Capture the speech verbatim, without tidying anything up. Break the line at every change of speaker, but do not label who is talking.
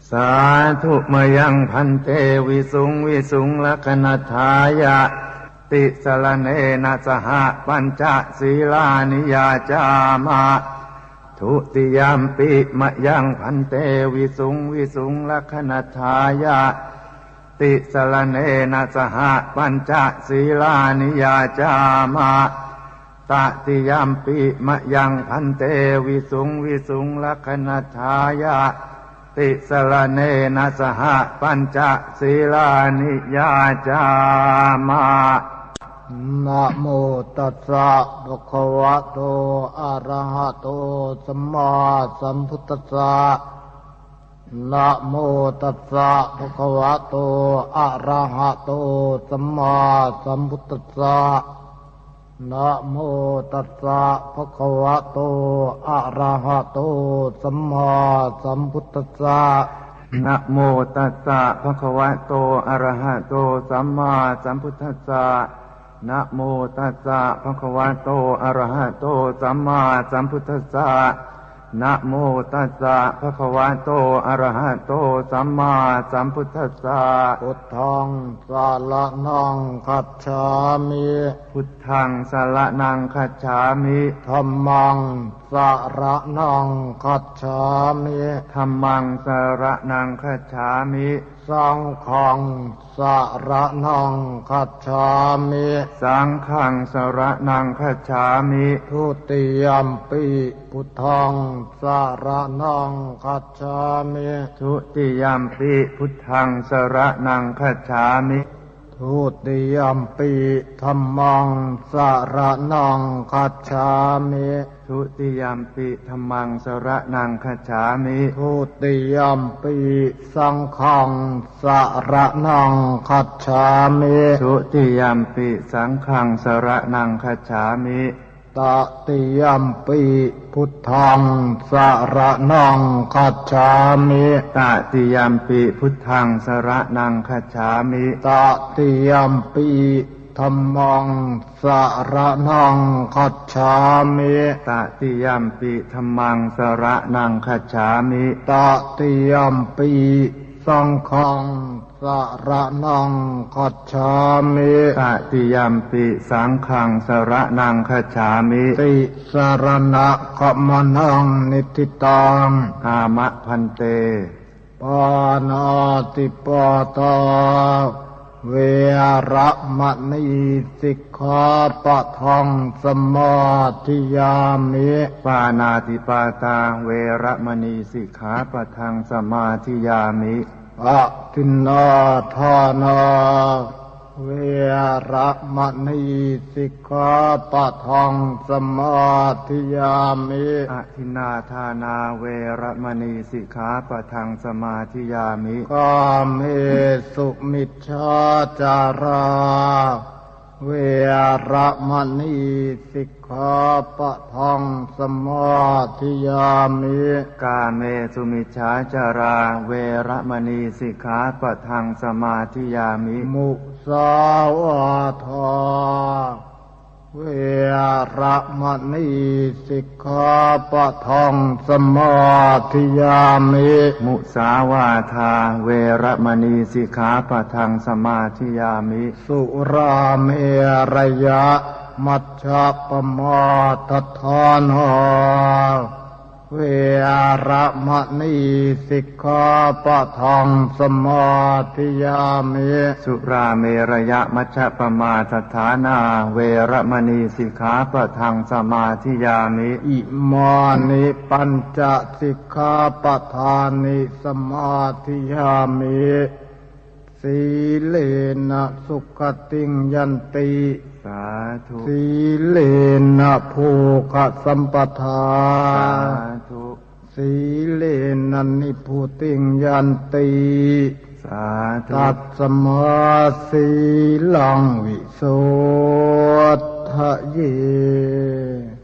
สาธุมยังพันเตวิสุงวิสุงลักนัฏฐายะติสรณเนนะสหปัญจศีลานิยาจามะทุติยามปิมยังพันเตวิสุงวิสุงลักนัฏฐายะติสรณเนนะสหปัญจศีลานิยาจามะตติยามปิมยังพันเตวิสุงวิสุงลักนัฏฐายะติสรณเนนะสหปัญจศีลานิยาจามะ
นะโมตัสสะภะคะวะโตอะระหะโตสัมมาสัมพุทธัสสะนะโมตัสสะภะคะวะโตอะระหะโตสัมมาสัมพุทธัสสะนะโมตัสสะภะคะวะโตอะระหะโตสัมมาสัมพุทธัสสะ
นะโมตัสสะภะคะวะโตอะระหะโตสัมมาสัมพุทธัสสะนะโมตัสสะภะคะวะโตอะระหะโตสัมมาสัมพุทธัสสะนะโมตัสสะภะคะวะโตอะระหะโตสัมมาสัมพุทธัสสะ
พุทธังสารนังคัจฉามิ
พุทธังสารนังคัจฉามิ
ธัมมังสารนังคัจฉามิ
ธัมมังสารนังคัจฉามิ
สังฆังสารนังคัจฉามิ
สังฆังสารนังคัจฉามิ
ทุติยมปิพุทธังสารนังคัจฉามิ
ทุติยมปิพุทธังสารนังคัจฉามิ
ทุติยมปิธัมมังสารนังคัจฉามิ
ทุติยมปิธัมมังสารนังคัจฉามิ
ทุติยมปิสังฆังสารนังคัจฉามิ
ทุติยมปิสังฆังสารนังคัจฉามิ
ตติยมปิพุทธังสารนังคัจฉามิ
ตติยมปิพุทธังสารนังคัจฉามิ
ตติยมปิธัมมังสารนังคัจฉามิ
ตติยมปิธัมมังสารนังคัจฉามิ
ตติยมปิสังฆังสารนังคัจฉามิ
ตติยมปิสังฆังสารนังคัจฉามิ
ติสรณะขมนังนิทิตัง
อามะพันเต
ปานาติปาตาเวระมณีสิกขาปะทังสมาธิยามิ
ปานาติปาตาเวระมณีสิกขาปะทังสมาธิยามิ
อะทินนาทานาเวระมณีสิกขาปะทังสมาธิยามิ
อะทินนาทานาเวระมณีสิกขาปะทังสมาธิยามิ
กาเมสุมิจฉาจาราเวระมณีสิกขาปะทังสมาธิยามิ
กาเมสุมิจฉาจาราเวระมณีสิกขาปะทังสมาธิยามิ
มุสาวาทาเวระมณีสิกขาปะทังสมาธิยามิ
มุสาวาทาเวระมณีสิกขาปะทังสมาธิยามิ
สุราเมรยะมัชฌัปมาทฐานาเวระมณีสิกขาปะทังสมาธิยามิ
สุราเมรยะมัชฌัปมาทฐานาเวระมณีสิกขาปะทังสมาธิยามิ
อิมานิปัญจสิกขาปะทานิสมาธิยามิสีเลนะสุขติงยันติ
สาธุ
สีเลนะภูคสัมปทา
สาธุ
สีเลนะนิพุติงยันติ
สาธุ
ตัสสมาสีลังวิโสทะเย